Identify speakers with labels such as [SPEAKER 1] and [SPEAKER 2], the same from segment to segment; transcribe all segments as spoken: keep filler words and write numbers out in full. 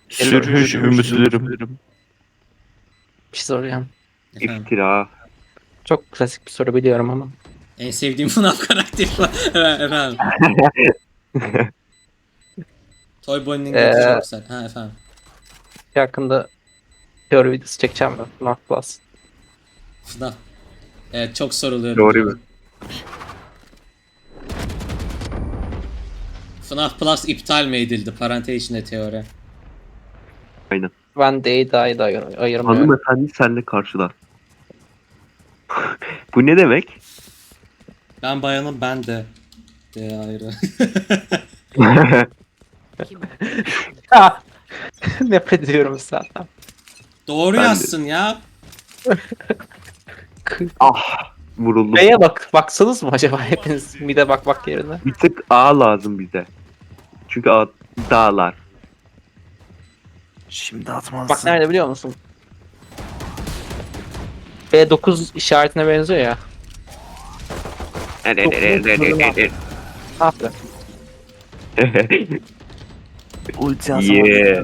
[SPEAKER 1] Sürhüş ümitlerim.
[SPEAKER 2] Bir şey soracağım.
[SPEAKER 3] Efendim.
[SPEAKER 4] İftira.
[SPEAKER 2] Çok klasik bir soru biliyorum ama.
[SPEAKER 3] En sevdiğim F NAF karakteri var. Evet, efendim. Toy Bonnie'nin
[SPEAKER 2] Ee,
[SPEAKER 3] götü çok güzel. Ha efendim.
[SPEAKER 2] Yakında teori videosu çekeceğim ben. F NAF Plus.
[SPEAKER 3] F NAF. Evet çok soruluyor.
[SPEAKER 4] Doğru
[SPEAKER 3] biliyorum. F NAF Plus iptal mi edildi? Parantez içinde teori.
[SPEAKER 4] Aynen.
[SPEAKER 2] Ben D'yi D'yi da ayır- ayırmıyorum.
[SPEAKER 4] Hanımefendi senle karşılar. Bu ne demek?
[SPEAKER 3] Ben bayanım ben de. De ayrı.
[SPEAKER 2] Ha! Nefret ediyorum zaten.
[SPEAKER 3] Doğru
[SPEAKER 4] Ben de.
[SPEAKER 3] yazsın ya.
[SPEAKER 4] Ah, vuruldum.
[SPEAKER 2] B'ye bak, baksanız mı acaba hepiniz mide bak bak yerine?
[SPEAKER 4] Bir tık A lazım bize. Çünkü A dağlar.
[SPEAKER 1] Şimdi atmazsın.
[SPEAKER 2] Bak nerede biliyor musun? B dokuz işaretine benziyor ya. Ne yaptı?
[SPEAKER 1] Ulti atamadım.
[SPEAKER 4] Yeah.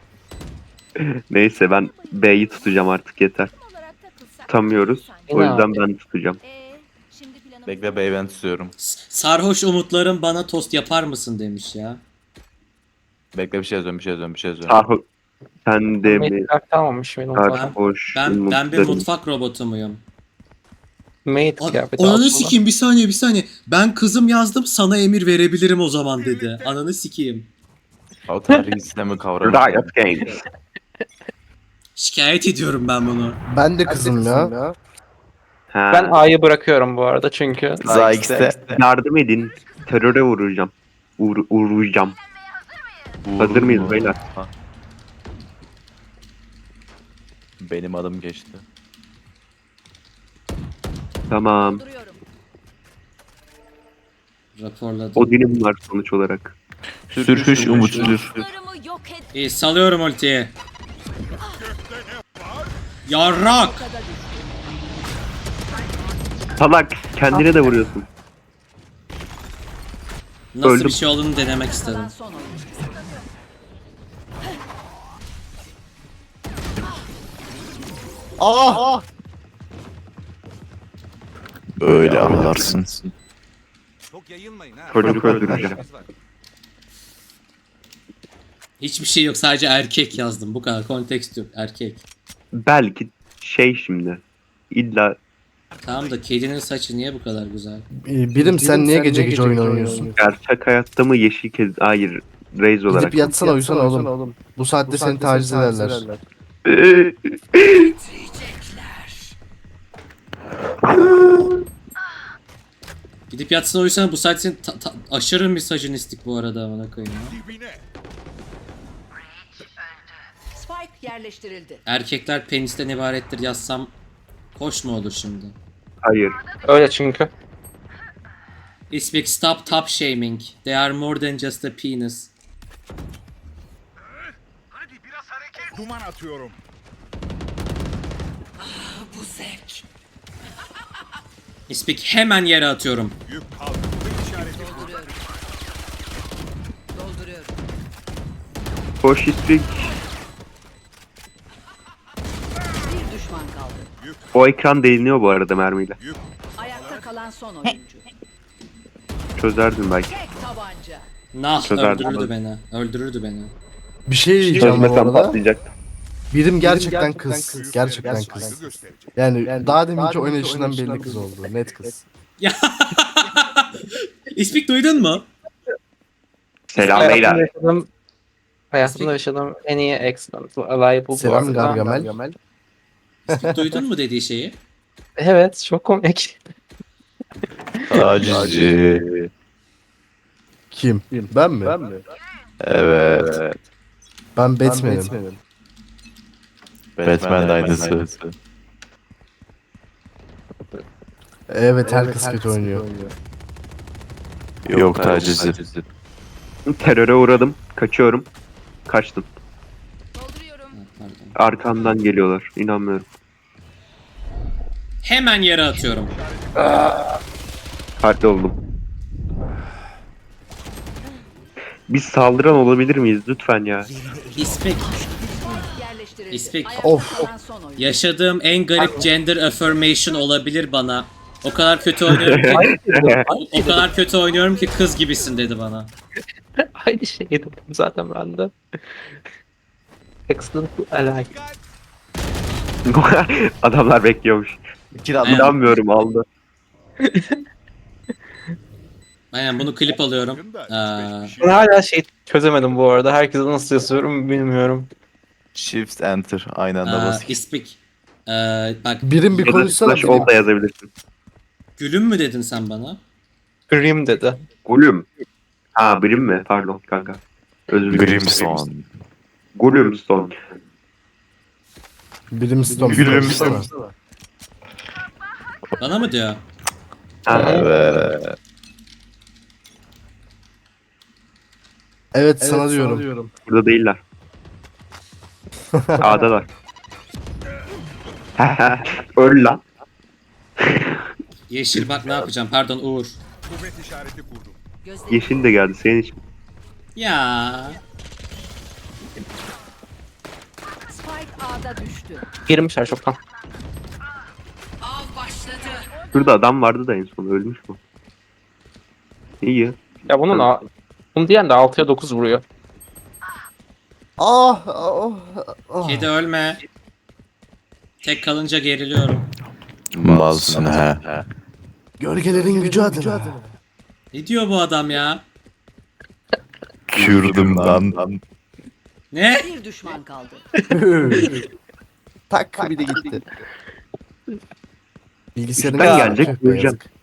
[SPEAKER 4] Neyse ben B'yi tutacağım artık yeter. Tutamıyoruz. O yüzden ben tutacağım.
[SPEAKER 1] Bekle bey ben tutuyorum.
[SPEAKER 3] S- Sarhoş umutlarım bana tost yapar mısın demiş ya.
[SPEAKER 1] Bekle bir şey yazıyorum bir şey yazıyorum bir şey yazıyorum.
[SPEAKER 4] Sarhoş. Sen de mi?
[SPEAKER 2] Mate kart almamış mıydı?
[SPEAKER 3] Ben-
[SPEAKER 4] Sarhoş.
[SPEAKER 3] Ben ben bir
[SPEAKER 4] umutlarım.
[SPEAKER 3] mutfak robotu muyum?
[SPEAKER 2] Mate
[SPEAKER 3] A-
[SPEAKER 2] kıyafeti
[SPEAKER 3] Ananı
[SPEAKER 2] aslında.
[SPEAKER 3] sikeyim bir saniye bir saniye. Ben kızım yazdım sana emir verebilirim o zaman dedi. Ananı sikeyim.
[SPEAKER 1] O tarihi sistemi kavramı.
[SPEAKER 4] Riot Games.
[SPEAKER 3] Şikayet ediyorum ben bunu.
[SPEAKER 5] Ben de kızım ya.
[SPEAKER 4] Ha.
[SPEAKER 2] Ben A'yı bırakıyorum bu arada çünkü.
[SPEAKER 1] Zayx'te.
[SPEAKER 4] Yardım edin. Teröre vuracağım. Uğur, uğrayacağım. Hazır mıyız beyler?
[SPEAKER 1] Ha. Benim adım geçti.
[SPEAKER 4] Tamam.
[SPEAKER 3] Raporladım.
[SPEAKER 4] Odin'im var sonuç olarak.
[SPEAKER 1] Sürhüş umutludur.
[SPEAKER 3] İyi salıyorum ultiyi. Yarrak.
[SPEAKER 4] Salak kendine de vuruyorsun.
[SPEAKER 3] Nasıl
[SPEAKER 4] Öldüm.
[SPEAKER 3] bir şey olduğunu denemek istedim.
[SPEAKER 5] Aa!
[SPEAKER 1] Öyle anlarsın.
[SPEAKER 6] Çok yayılmayın ha.
[SPEAKER 4] Çocuk öldüreceğim.
[SPEAKER 3] Hiçbir şey yok sadece erkek yazdım. Bu kadar kontekst yok erkek.
[SPEAKER 4] Belki şey şimdi. İlla
[SPEAKER 3] Tamam da kedinin saçı niye bu kadar güzel?
[SPEAKER 5] Ee, Birim sen niye gece gece oyun oynuyorsun?
[SPEAKER 4] gerçek hayatta mı yeşil kez... Hayır. Reis olarak.
[SPEAKER 5] Gidip yatsana uyusana oğlum. Bu saatte seni taciz ederler.
[SPEAKER 3] Gidip yatsın uyusana bu saat senin ta- ta- aşırı misojinistik bu arada amına koyayım ya.
[SPEAKER 6] Dibine.
[SPEAKER 7] Spike yerleştirildi.
[SPEAKER 3] Erkekler penisten ibarettir yazsam hoş mu olur şimdi?
[SPEAKER 4] Hayır.
[SPEAKER 2] Öyle çünkü.
[SPEAKER 3] Isbik stop top shaming. They are more than just a penis.
[SPEAKER 6] Duman atıyorum.
[SPEAKER 3] Isbik hemen yere atıyorum.
[SPEAKER 6] Yük kaldı. İşareti
[SPEAKER 7] Dolduruyorum. Dolduruyorum.
[SPEAKER 4] Koş istrik.
[SPEAKER 7] Bir düşman kaldı.
[SPEAKER 4] O ekran deliniyor bu arada mermiyle.
[SPEAKER 7] Ayakta kalan son oyuncu.
[SPEAKER 4] Çözerdin belki.
[SPEAKER 7] Tek tabanca.
[SPEAKER 3] Nah
[SPEAKER 4] Çözerdim
[SPEAKER 3] öldürürdü
[SPEAKER 4] ben.
[SPEAKER 3] beni. Öldürürdü beni.
[SPEAKER 5] Bir şey diyeceğim bu
[SPEAKER 4] Çözmesem
[SPEAKER 5] arada.
[SPEAKER 4] patlayacaktı.
[SPEAKER 5] Birim gerçekten kız. Gerçekten
[SPEAKER 6] saygı
[SPEAKER 5] kız.
[SPEAKER 6] gösterecek.
[SPEAKER 5] Yani daha deminki oynayışından belli kız oldu. Net kız.
[SPEAKER 3] Ya Isbik duydun mu?
[SPEAKER 4] Selam
[SPEAKER 2] Hayatımda
[SPEAKER 4] beyler.
[SPEAKER 2] yaşadığım, hayatımda yaşadığım en iyi excellent alive bu
[SPEAKER 5] Selam
[SPEAKER 2] arada.
[SPEAKER 5] Gargamel.
[SPEAKER 3] Isbik duydun mu dediği şeyi?
[SPEAKER 2] Evet çok komik.
[SPEAKER 1] Tacizci.
[SPEAKER 5] Kim? Ben mi? Ben mi?
[SPEAKER 1] Evet.
[SPEAKER 5] Ben Batman'im.
[SPEAKER 1] Batman de aynısı.
[SPEAKER 5] Evet herkes kötü oynuyor.
[SPEAKER 1] Yok tacizci.
[SPEAKER 4] Teröre uğradım. Kaçıyorum. Kaçtım.
[SPEAKER 3] Ha, pardon.
[SPEAKER 4] Arkamdan geliyorlar. İnanmıyorum.
[SPEAKER 3] Hemen yere atıyorum.
[SPEAKER 4] Kalpli oldum. Biz saldıran olabilir miyiz lütfen ya?
[SPEAKER 3] İspek.
[SPEAKER 7] Yerleştirildi.
[SPEAKER 3] İspek.
[SPEAKER 7] Ayakta
[SPEAKER 5] Of.
[SPEAKER 7] kalan son oyuncu.
[SPEAKER 3] Yaşadığım en garip gender affirmation olabilir bana. O kadar kötü oynuyorum ki o kadar kötü oynuyorum ki kız gibisin dedi bana.
[SPEAKER 2] Aynı şeyi dedim zaten ben de. Excellent ally.
[SPEAKER 4] Adamlar bekliyormuş.
[SPEAKER 1] İki de adam.
[SPEAKER 3] Aynen.
[SPEAKER 4] İnanmıyorum aldı.
[SPEAKER 3] Aynen bunu klip alıyorum. Ee,
[SPEAKER 2] Ben hala şey çözemedim bu arada. Herkese nasıl yazıyorum bilmiyorum.
[SPEAKER 1] Shift enter aynı anda
[SPEAKER 3] Aa,
[SPEAKER 1] bas.
[SPEAKER 3] İspik. Ee, bak
[SPEAKER 5] Birim bir
[SPEAKER 4] Ya da
[SPEAKER 5] konuşsana.
[SPEAKER 4] slash
[SPEAKER 5] birim.
[SPEAKER 4] ol da yazabilirsin.
[SPEAKER 3] gülüm mü dedin sen bana?
[SPEAKER 2] Grim dedi.
[SPEAKER 4] Gulüm. Ha birim mi? Pardon kanka. Özür dilerim.
[SPEAKER 1] Grimstone.
[SPEAKER 4] Gulümstone.
[SPEAKER 5] Brimstone.
[SPEAKER 1] Brimstone.
[SPEAKER 5] konuşsana.
[SPEAKER 3] Bana mı diyor?
[SPEAKER 4] Ha,
[SPEAKER 1] Evet.
[SPEAKER 5] Evet sana diyorum.
[SPEAKER 4] burada değiller. A'dalar. Öl lan.
[SPEAKER 3] Yeşil bak ne yapacağım pardon Uğur.
[SPEAKER 6] Kuvvet işareti kurdum.
[SPEAKER 7] Gözleri
[SPEAKER 4] Yeşil de geldi senin için.
[SPEAKER 3] Ya
[SPEAKER 7] Spike A'da düştü.
[SPEAKER 2] Girmişler çoktan.
[SPEAKER 7] Av başladı.
[SPEAKER 4] Şurada adam vardı da en son ölmüş mü? İyi.
[SPEAKER 2] Ya bunun a- bunu diyen de altıya dokuz vuruyor.
[SPEAKER 5] Ah, ah, ah.
[SPEAKER 3] kedi ölme. Tek kalınca geriliyorum.
[SPEAKER 1] Malsın he.
[SPEAKER 5] Gölgelerin gücü adına.
[SPEAKER 3] Ne diyor bu adam ya?
[SPEAKER 1] Kürdüm lan.
[SPEAKER 3] Ne?
[SPEAKER 7] Bir düşman kaldı.
[SPEAKER 5] Tak bir de gitti. Bilgisayarın
[SPEAKER 4] Ben
[SPEAKER 5] ya,
[SPEAKER 4] gelecek,
[SPEAKER 5] tüh be,
[SPEAKER 4] göreceğim.
[SPEAKER 5] yazık.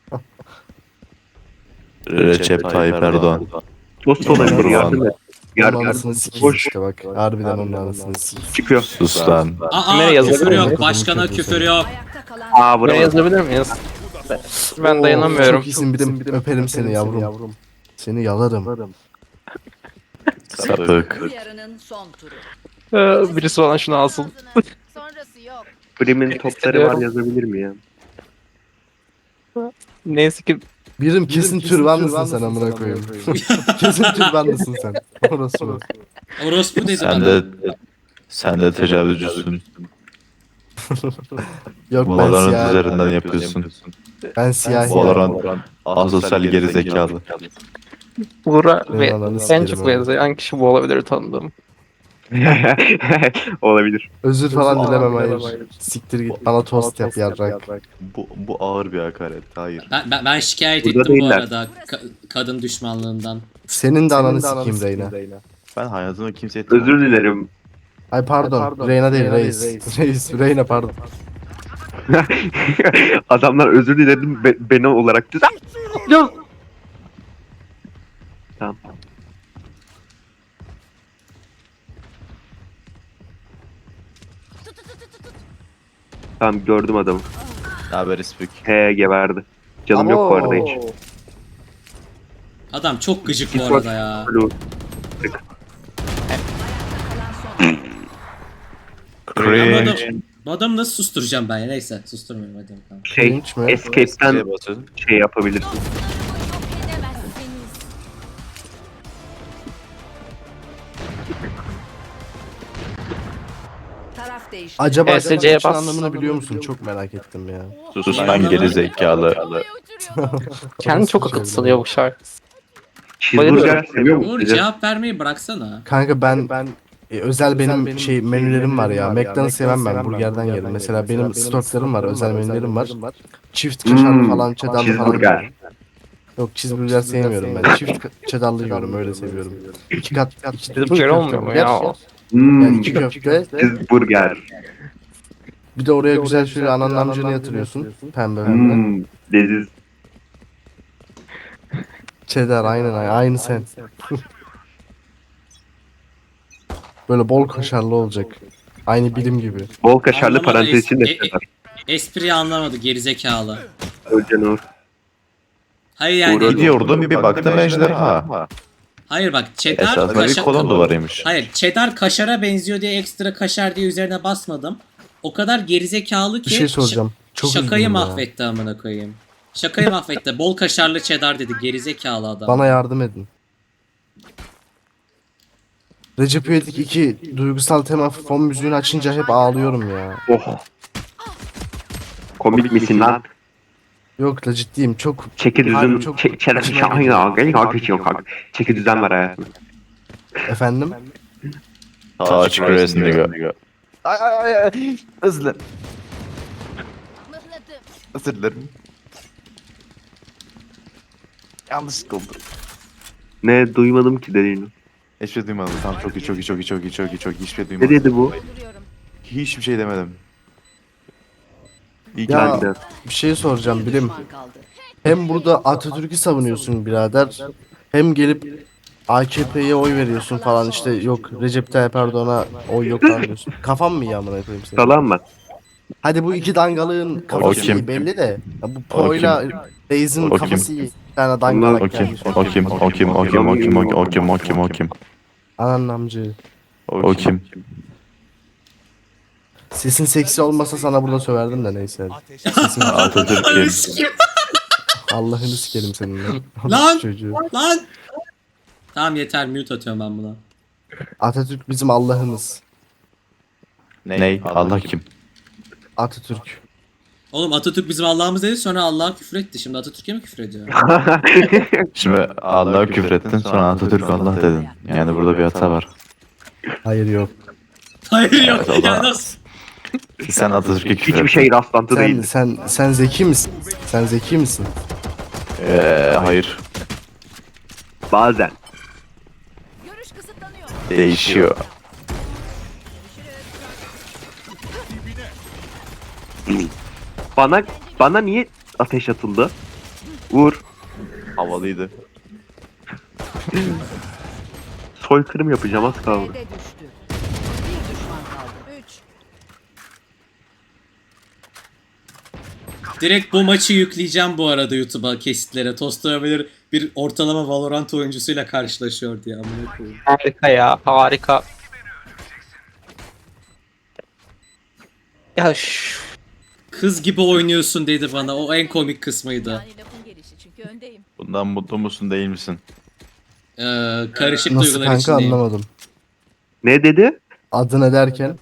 [SPEAKER 1] Recep Tayyip Erdoğan.
[SPEAKER 4] Dost olabilir yardım et.
[SPEAKER 5] Onun
[SPEAKER 4] Yardım
[SPEAKER 5] anasını
[SPEAKER 4] et.
[SPEAKER 5] sikeyim
[SPEAKER 4] Boş
[SPEAKER 5] işte bak. Harbiden onun anasını sikeyim.
[SPEAKER 4] çıkıyor.
[SPEAKER 1] Sus lan.
[SPEAKER 3] Aa
[SPEAKER 2] Nereye yazabilir
[SPEAKER 3] küfür yok.
[SPEAKER 2] miyim?
[SPEAKER 3] Başkana küfür yok.
[SPEAKER 7] Ayakta kalan
[SPEAKER 4] Aa
[SPEAKER 2] Buraya
[SPEAKER 4] bravo.
[SPEAKER 2] yazabilir miyiz? Ben dayanamıyorum.
[SPEAKER 5] Çok iyisin birim. Öperim seni yavrum. Seni yalarım.
[SPEAKER 1] Sapık.
[SPEAKER 7] bu yarının son turu.
[SPEAKER 2] Ee, birisi olan şunu alsın.
[SPEAKER 7] Sonrası yok.
[SPEAKER 4] Prim'in topları var yazabilir mi ya?
[SPEAKER 2] Neyse ki
[SPEAKER 5] Birim kesin türbanlısın sen amına koyayım. Kesin türbanlısın sen. Orası mı?
[SPEAKER 3] Orospu dedi
[SPEAKER 1] Sen
[SPEAKER 3] bana.
[SPEAKER 1] de sen de tecavüzcüsün.
[SPEAKER 5] Yok ben
[SPEAKER 1] Valorant
[SPEAKER 5] siyah.
[SPEAKER 1] üzerinden yapıyorsun.
[SPEAKER 5] Ben siyah.
[SPEAKER 1] Valorant asosyal geri zekalı.
[SPEAKER 2] Buğra ve
[SPEAKER 5] Eyvallah,
[SPEAKER 2] en
[SPEAKER 5] sikerim
[SPEAKER 2] çok
[SPEAKER 5] abi.
[SPEAKER 2] benzeyen kişi bu olabilir tanıdığım.
[SPEAKER 4] Olabilir.
[SPEAKER 5] Özür falan dilemem hayır. Siktir git bana tost yap yarrak.
[SPEAKER 1] Bu, bu ağır bir hakaret. Hayır.
[SPEAKER 3] Ben, ben, ben şikayet
[SPEAKER 4] Burada
[SPEAKER 3] ettim bu
[SPEAKER 4] değiller.
[SPEAKER 3] arada ka- kadın düşmanlığından.
[SPEAKER 5] Senin de ananı sikeyim Reyna.
[SPEAKER 1] Ben hayatımda kimseye
[SPEAKER 4] Özür dilerim.
[SPEAKER 5] Ay pardon. Reyna değil reis. Reis. Reyna pardon.
[SPEAKER 4] Adamlar özür dilerim be- beni olarak düzen. Tamam. Tamam gördüm adamı.
[SPEAKER 1] Ne haber İspik?
[SPEAKER 4] He geberdi. Canım yok bu arada hiç.
[SPEAKER 3] Adam çok gıcık bu
[SPEAKER 4] Git bak.
[SPEAKER 3] arada ya.
[SPEAKER 4] Blue.
[SPEAKER 3] Bu adam,
[SPEAKER 1] Cringe.
[SPEAKER 3] bu adamı nasıl susturacağım ben ya? Neyse susturmuyorum hadi bakalım.
[SPEAKER 4] Şey,
[SPEAKER 5] Cringe mi?
[SPEAKER 4] Escape'den
[SPEAKER 1] Şeye basıyorsun.
[SPEAKER 4] şey yapabilirsin.
[SPEAKER 7] Taraf değişti.
[SPEAKER 5] Acaba
[SPEAKER 2] E S C'ye
[SPEAKER 5] senin için
[SPEAKER 2] bas.
[SPEAKER 5] anlamını biliyor musun? Çok merak ettim ya.
[SPEAKER 1] Sus lan geri zekalı.
[SPEAKER 2] Kendi çok akıl sanıyor bu şarkı.
[SPEAKER 4] Cheeseburger seviyor
[SPEAKER 3] Uğur
[SPEAKER 4] musun?
[SPEAKER 3] cevap vermeyi bıraksana.
[SPEAKER 5] Kanka ben ben e, özel benim şey menülerim var ya. McDonald's sevmem ben. Burgerden yerim. Mesela benim stoklarım var. Özel menülerim var. Çift kaşarlı
[SPEAKER 4] Hmm,
[SPEAKER 5] falan, cheddarlı falan.
[SPEAKER 4] cheeseburger.
[SPEAKER 5] yiyorum. Yok cheeseburger sevmiyorum ben. Çift ka- cheddarlı yiyorum öyle seviyorum. İki kat iki, iki
[SPEAKER 2] Cheeseburger
[SPEAKER 5] köfte
[SPEAKER 2] olmuyor mu
[SPEAKER 5] burger,
[SPEAKER 2] ya?
[SPEAKER 4] Hmm,
[SPEAKER 5] Yani iki köfte.
[SPEAKER 4] cheeseburger.
[SPEAKER 5] Bir de oraya güzel şöyle ananın amcını yatırıyorsun. Pembe pembe.
[SPEAKER 4] Hmm, leziz.
[SPEAKER 5] Cheddar aynen aynen. Aynı sen. Böyle bol kaşarlı olacak. Aynı bilim gibi.
[SPEAKER 4] Bol kaşarlı
[SPEAKER 3] Anlamadı,
[SPEAKER 4] parantez
[SPEAKER 3] es-
[SPEAKER 4] içinde
[SPEAKER 3] e- e-
[SPEAKER 4] sever.
[SPEAKER 3] Espriyi anlamadı gerizekalı.
[SPEAKER 4] Ölcan Uğur.
[SPEAKER 3] Hayır yani.
[SPEAKER 4] Uğur-
[SPEAKER 1] Gidiyordum bir baktım ejderha.
[SPEAKER 3] Hayır bak cheddar
[SPEAKER 1] Esasında bir
[SPEAKER 3] kaşar.
[SPEAKER 1] kolon duvarıymış.
[SPEAKER 3] Hayır cheddar kaşara benziyor diye ekstra kaşar diye üzerine basmadım. O kadar gerizekalı ki
[SPEAKER 5] Bir şey soracağım. Çok
[SPEAKER 3] şakayı
[SPEAKER 5] üzgünüm ya.
[SPEAKER 3] mahvetti amına koyayım. Şakayı mahvetti. Bol kaşarlı cheddar dedi gerizekalı adam.
[SPEAKER 5] Bana yardım edin. Recep İvedik iki duygusal tema fon müziğini açınca hep ağlıyorum ya.
[SPEAKER 4] Oh. Komik misin lan?
[SPEAKER 5] Yok la ciddiyim çok
[SPEAKER 4] Çeki düzen,
[SPEAKER 5] Harbi çok
[SPEAKER 4] çe- çerez
[SPEAKER 5] içime
[SPEAKER 4] şahane
[SPEAKER 5] gidiyor.
[SPEAKER 4] ya. Gelin kalk içiyor kalk. Çeki düzen var hayatım.
[SPEAKER 5] efendim.
[SPEAKER 1] Touch Crescent'ı. Ay ay ay ay. Özür dilerim.
[SPEAKER 7] Mıhladım.
[SPEAKER 1] Özür dilerim. Yanlışlıkla oldu.
[SPEAKER 4] Ne duymadım ki dediğini.
[SPEAKER 1] Hiçbir şey duymadım. Tamam çok iyi çok iyi çok iyi çok iyi çok iyi çok iyi. Hiçbir şey
[SPEAKER 4] Ne
[SPEAKER 1] duymadım.
[SPEAKER 4] dedi bu?
[SPEAKER 7] Dolduruyorum.
[SPEAKER 1] Hiçbir şey demedim. İyi ki
[SPEAKER 5] Ya-
[SPEAKER 1] ben de-
[SPEAKER 5] Bir şey soracağım bilim.
[SPEAKER 7] Düşman kaldı.
[SPEAKER 5] Hem burada Atatürk'ü savunuyorsun birader. Hem gelip A K P'ye oy veriyorsun falan işte yok Recep Tayyip Erdoğan'a oy yok falan diyorsun. Kafam mı iyi amına koyayım seni?
[SPEAKER 4] Salam mı?
[SPEAKER 5] Hadi bu iki dangalığın kafası
[SPEAKER 1] kim?
[SPEAKER 5] iyi belli de. Ya bu Po'yla Reis'in
[SPEAKER 1] O kim?
[SPEAKER 5] kafası iyi. Bir tane dangalak
[SPEAKER 1] O kim?
[SPEAKER 5] gelmiş.
[SPEAKER 1] O kim? O kim? O kim? O kim? O kim? O kim? O kim? O kim?
[SPEAKER 5] Anan amcı.
[SPEAKER 1] O kim?
[SPEAKER 5] Sesin seksi olmasa sana burada söverdim de neyse. Sesin
[SPEAKER 1] Atatürk kim?
[SPEAKER 5] Allah'ını sikerim seninle.
[SPEAKER 3] Lan!
[SPEAKER 5] Çocuğu.
[SPEAKER 3] Lan! Tamam yeter mute atıyorum ben buna.
[SPEAKER 5] Atatürk bizim Allah'ımız.
[SPEAKER 1] Ney? Allah kim?
[SPEAKER 5] Atatürk.
[SPEAKER 3] Oğlum Atatürk bizim Allah'ımız dedi sonra Allah'a küfür etti. Şimdi Atatürk'e mi küfür ediyor?
[SPEAKER 1] Şimdi Allah'a küfrettin sonra Atatürk Allah dedin. Yani burada bir hata var.
[SPEAKER 5] Hayır yok.
[SPEAKER 3] Hayır yok.
[SPEAKER 1] Evet, o
[SPEAKER 3] Ya
[SPEAKER 1] da-
[SPEAKER 3] nasıl?
[SPEAKER 1] Sen Atatürk'e küfrettin.
[SPEAKER 4] Hiçbir şey rastlantı
[SPEAKER 5] Sen
[SPEAKER 4] değil.
[SPEAKER 5] sen sen zeki misin? Sen zeki misin?
[SPEAKER 1] Ee, hayır.
[SPEAKER 4] Bazen.
[SPEAKER 7] Görüş kısıtlanıyor.
[SPEAKER 1] Değişiyor.
[SPEAKER 4] Bana bana niye ateş atıldı? Uğur.
[SPEAKER 1] Havalıydı.
[SPEAKER 4] Soykırım yapacağım az kaldı.
[SPEAKER 7] B'de düştü. Bir düşman kaldı. Üç.
[SPEAKER 3] Direkt bu maçı yükleyeceğim bu arada YouTube'a kesitlere. Tostoyabilir bir ortalama Valorant oyuncusuyla karşılaşıyor diye amına koyayım.
[SPEAKER 2] Harika ya harika. Ya şu
[SPEAKER 3] Kız gibi oynuyorsun dedi bana. O en komik kısmıydı.
[SPEAKER 7] Yani lafın gelişi çünkü öndeyim.
[SPEAKER 1] Bundan mutlu musun değil misin?
[SPEAKER 3] Ee, karışık
[SPEAKER 5] Nasıl
[SPEAKER 3] duygular
[SPEAKER 5] kanka
[SPEAKER 3] içindeyim.
[SPEAKER 5] anlamadım.
[SPEAKER 4] Ne dedi?
[SPEAKER 5] Adı ne derken?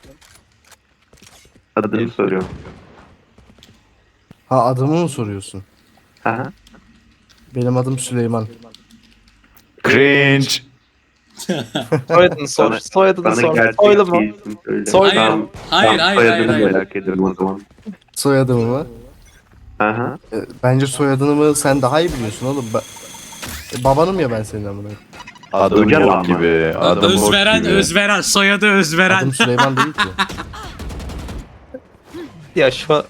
[SPEAKER 4] Adını soruyorum.
[SPEAKER 5] Ha adımı mı soruyorsun?
[SPEAKER 4] Aha.
[SPEAKER 5] Benim adım Süleyman.
[SPEAKER 1] Cringe.
[SPEAKER 2] soyadını sor.
[SPEAKER 4] Bana-
[SPEAKER 2] Soyadını
[SPEAKER 4] Bana
[SPEAKER 2] sor.
[SPEAKER 4] gerçek
[SPEAKER 2] Soylu mu?
[SPEAKER 4] bir isim söyle.
[SPEAKER 2] Soylu
[SPEAKER 3] Hayır,
[SPEAKER 4] Tamam,
[SPEAKER 3] hayır,
[SPEAKER 4] tamam,
[SPEAKER 3] hayır, hayır,
[SPEAKER 4] soyadını
[SPEAKER 3] hayır.
[SPEAKER 4] merak ediyorum o zaman.
[SPEAKER 5] Soyadımı mı?
[SPEAKER 4] Aha.
[SPEAKER 5] E, Bence soyadını mı sen daha iyi biliyorsun oğlum. Ba- E, babanım ya ben senin amına.
[SPEAKER 1] Adım
[SPEAKER 4] Hocam
[SPEAKER 1] bok
[SPEAKER 4] ama.
[SPEAKER 1] gibi. Adım bok
[SPEAKER 3] Özveren,
[SPEAKER 1] gibi.
[SPEAKER 3] Özveren, soyadı Özveren.
[SPEAKER 5] Adım Süleyman değil ki.
[SPEAKER 2] Ya şu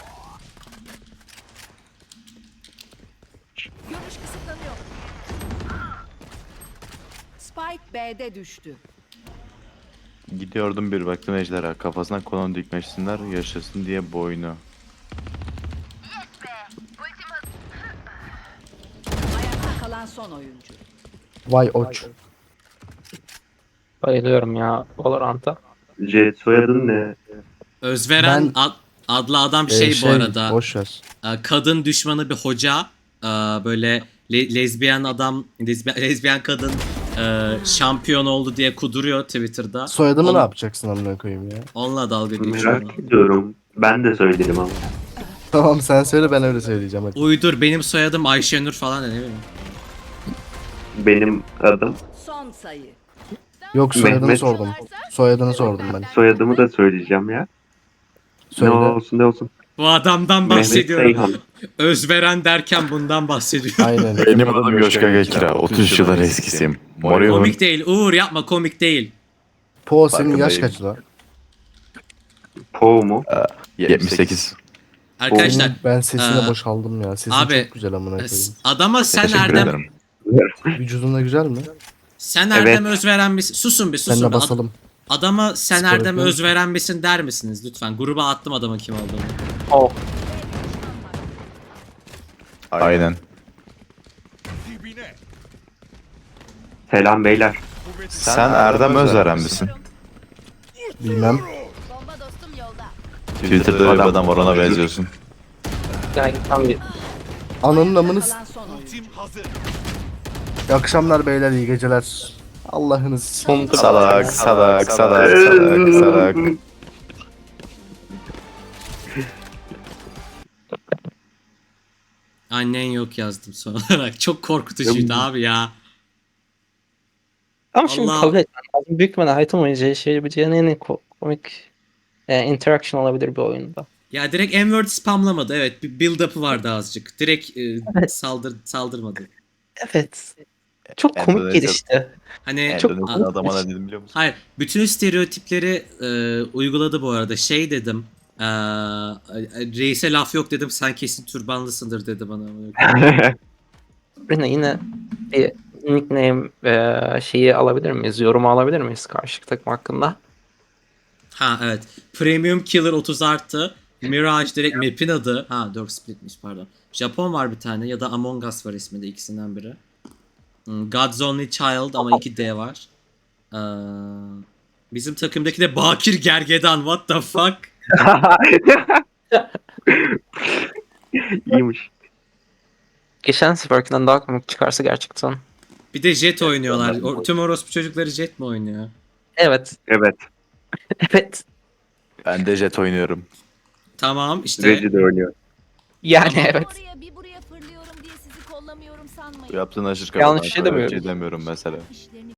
[SPEAKER 7] Görüş kısıtlanıyor. Spike B'de düştü.
[SPEAKER 1] Gidiyordum bir baktım ejderha. Kafasına kolon dikmesinler yaşasın diye boynu.
[SPEAKER 7] Ayakta kalan son oyuncu.
[SPEAKER 5] Vay oç.
[SPEAKER 2] bayılıyorum ya Valorant'a.
[SPEAKER 4] C soyadın ne?
[SPEAKER 3] Özveren
[SPEAKER 5] Ben-
[SPEAKER 3] ad- adlı adam
[SPEAKER 5] E,
[SPEAKER 3] şey, bu arada.
[SPEAKER 5] Boş ver.
[SPEAKER 3] e, Kadın düşmanı bir hoca. E, Böyle le- lezbiyen adam, lezbiyen, lezbiyen kadın e, şampiyon oldu diye kuduruyor Twitter'da.
[SPEAKER 5] Soyadımı
[SPEAKER 3] On-
[SPEAKER 5] ne yapacaksın amına koyayım ya?
[SPEAKER 3] Onunla dalga geçiyor.
[SPEAKER 4] Merak ediyorum. Ben de söyledim ama.
[SPEAKER 5] Tamam sen söyle ben öyle söyleyeceğim hadi.
[SPEAKER 3] Uydur benim soyadım Ayşenur falan da ne bileyim.
[SPEAKER 4] Benim adım.
[SPEAKER 7] Son sayı.
[SPEAKER 5] Yok soyadını
[SPEAKER 4] Mehmet.
[SPEAKER 5] sordum. Soyadını sordum ben.
[SPEAKER 4] Soyadımı da söyleyeceğim ya.
[SPEAKER 5] Söyle.
[SPEAKER 4] Ne olsun ne olsun.
[SPEAKER 3] Bu adamdan
[SPEAKER 4] Mehmet
[SPEAKER 3] bahsediyorum.
[SPEAKER 4] Seyhan.
[SPEAKER 3] Özveren derken bundan bahsediyor.
[SPEAKER 5] Aynen.
[SPEAKER 1] Benim adım Yoşka Gekira. otuz yıllar eskisiyim. Morion.
[SPEAKER 3] Komik değil. Uğur yapma komik değil.
[SPEAKER 5] Po senin yaş
[SPEAKER 1] Farkındayım.
[SPEAKER 5] kaç lan?
[SPEAKER 4] Po mu?
[SPEAKER 1] yetmiş sekiz.
[SPEAKER 3] Arkadaşlar
[SPEAKER 5] Oğlum, ben sesine
[SPEAKER 3] Ee,
[SPEAKER 5] boşaldım ya. Sesin
[SPEAKER 3] abi,
[SPEAKER 5] çok güzel amına koyayım.
[SPEAKER 3] adama sen
[SPEAKER 1] Teşekkür
[SPEAKER 3] Erdem
[SPEAKER 1] ederim.
[SPEAKER 5] Vücudun da güzel mi?
[SPEAKER 3] sen
[SPEAKER 4] Evet.
[SPEAKER 3] Erdem Özveren misin? Susun bir susun.
[SPEAKER 5] Seninle
[SPEAKER 3] bir. Ad-
[SPEAKER 5] basalım.
[SPEAKER 3] adama sen
[SPEAKER 5] Spor
[SPEAKER 3] Erdem
[SPEAKER 5] yapıyorum.
[SPEAKER 3] Özveren misin der misiniz lütfen? Gruba attım adamın kim olduğunu.
[SPEAKER 2] Oh.
[SPEAKER 1] Aynen.
[SPEAKER 6] Dibine.
[SPEAKER 4] Selam beyler.
[SPEAKER 1] Sen Erdem Özveren misin?
[SPEAKER 5] Bilmem.
[SPEAKER 7] Bomba dostum yolda.
[SPEAKER 1] Twitter'da bir adam var ona benziyorsun.
[SPEAKER 2] Yani tam bir
[SPEAKER 5] Ananın amını s-
[SPEAKER 7] Kalan son oyuncu.
[SPEAKER 6] Tim hazır.
[SPEAKER 5] İyi akşamlar beyler iyi geceler. Allah'ınız.
[SPEAKER 2] Sonunda
[SPEAKER 1] Salak salak salak salak salak.
[SPEAKER 3] Annen yok yazdım son olarak. Çok korkutucuydu abi ya.
[SPEAKER 2] Ama şimdi
[SPEAKER 3] Allah.
[SPEAKER 2] kabul etmem lazım. Büyük ihtimalle item oynayacağı şey yapabileceğin en ko- komik e, interaction olabilir bir oyunda.
[SPEAKER 3] Ya direkt N-word spamlamadı. Evet, bir build-up'ı vardı azıcık. Direkt e,
[SPEAKER 2] Evet.
[SPEAKER 3] saldır saldırmadı.
[SPEAKER 2] Evet. Çok komik
[SPEAKER 1] Endonezya-
[SPEAKER 2] gelişti.
[SPEAKER 3] Hani
[SPEAKER 2] Çok
[SPEAKER 1] Endonezya
[SPEAKER 2] komik
[SPEAKER 1] adama ne
[SPEAKER 2] gelişti.
[SPEAKER 1] dedim biliyor musun?
[SPEAKER 3] hayır, bütün stereotipleri e, uyguladı bu arada. Şey dedim. E, reise laf yok dedim. Sen kesin türbanlısındır dedi bana.
[SPEAKER 2] Rina yine bir nickname e, şeyi alabilir miyiz? Yorumu alabilir miyiz karşı takım hakkında?
[SPEAKER 3] Ha evet. Premium Killer otuz arttı. Mirage direkt map'in adı. Ha Dark Split'miş pardon. Japon var bir tane ya da Among Us var isminde ikisinden biri. Hmm, God's Only Child ama iki D var. Ee, bizim takımdaki de Bakir Gergedan. What the fuck?
[SPEAKER 4] İyiymiş.
[SPEAKER 2] Geçen seferkinden daha komik çıkarsa gerçekten.
[SPEAKER 3] Bir de Jet oynuyorlar. O, tüm orospu çocukları Jet mi oynuyor?
[SPEAKER 2] Evet.
[SPEAKER 4] Evet.
[SPEAKER 2] Evet.
[SPEAKER 1] Ben de jet oynuyorum.
[SPEAKER 3] Tamam işte.
[SPEAKER 4] Reci de oynuyor.
[SPEAKER 2] Yani
[SPEAKER 3] Tamam.
[SPEAKER 2] evet.
[SPEAKER 7] Oraya bir buraya fırlıyorum diye sizi kollamıyorum
[SPEAKER 1] Bu
[SPEAKER 7] sanmayın.
[SPEAKER 1] yaptığın aşırı
[SPEAKER 2] Yanlış
[SPEAKER 1] kafadan.
[SPEAKER 2] şey
[SPEAKER 1] Böyle
[SPEAKER 2] demiyorum.
[SPEAKER 1] Şey demiyorum mesela.
[SPEAKER 7] İşlerini